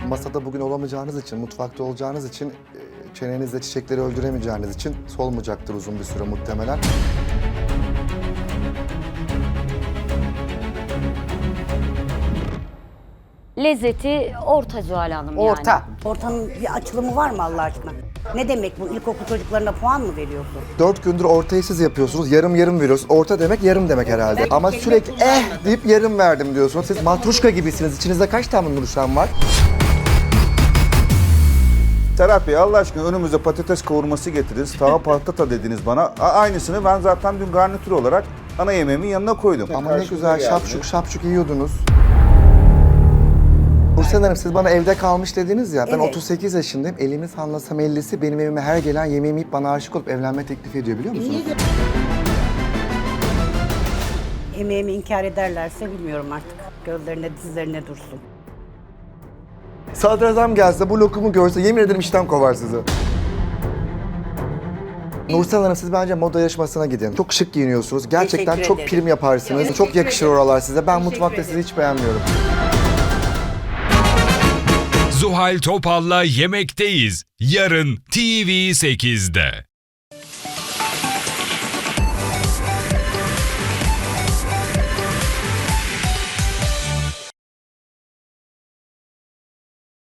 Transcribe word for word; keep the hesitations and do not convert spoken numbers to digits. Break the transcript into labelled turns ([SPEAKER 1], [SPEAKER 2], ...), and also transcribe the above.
[SPEAKER 1] masada bugün olamayacağınız için, mutfakta olacağınız için, e, çenenizle çiçekleri öldüremeyeceğiniz için solmayacaktır uzun bir süre muhtemelen.
[SPEAKER 2] Lezzeti orta Zuhal Hanım yani.
[SPEAKER 3] Orta. Ortanın bir açılımı var mı Allah aşkına? Ne demek bu? İlkokul çocuklarına puan mı veriyorsun?
[SPEAKER 1] Dört gündür ortayı siz yapıyorsunuz, yarım yarım veriyorsunuz. Orta demek yarım demek herhalde.
[SPEAKER 3] Evet,
[SPEAKER 1] Ama
[SPEAKER 3] kelime
[SPEAKER 1] sürekli
[SPEAKER 3] kullanma.
[SPEAKER 1] eh deyip yarım verdim diyorsunuz. Siz matruşka gibisiniz. İçinizde kaç tane Nurşen var?
[SPEAKER 4] Serhat Bey Allah aşkına önümüze patates kavurması getirdiniz. Tava patata dediniz bana. A- aynısını ben zaten dün garnitür olarak ana yemeğimin yanına koydum.
[SPEAKER 1] Ama ne güzel şapşuk şapşuk yiyordunuz. Nursel Hanım siz bana evde kalmış dediniz ya. Ben
[SPEAKER 3] Evet.
[SPEAKER 1] otuz sekiz yaşındayım. Elimi sallasam ellisi benim evime her gelen yemeğimi yiyip bana aşık olup evlenme teklif ediyor biliyor musunuz?
[SPEAKER 3] Emeğimi inkar ederlerse bilmiyorum artık. Gözlerine dizlerine dursun.
[SPEAKER 1] Sadrazam gelse bu lokumu görse yemin ederim işten kovar sizi. Nursel Hanım siz bence moda yarışmasına gidin. Çok şık giyiniyorsunuz. Gerçekten
[SPEAKER 3] Teşekkür
[SPEAKER 1] çok
[SPEAKER 3] ederim.
[SPEAKER 1] prim yaparsınız.
[SPEAKER 3] Teşekkür
[SPEAKER 1] Çok yakışır
[SPEAKER 3] ederim.
[SPEAKER 1] oralar size. Ben
[SPEAKER 3] Teşekkür
[SPEAKER 1] mutfakta
[SPEAKER 3] ederim.
[SPEAKER 1] sizi hiç beğenmiyorum.
[SPEAKER 5] Zuhal Topal'la Yemekteyiz. Yarın T V sekizde.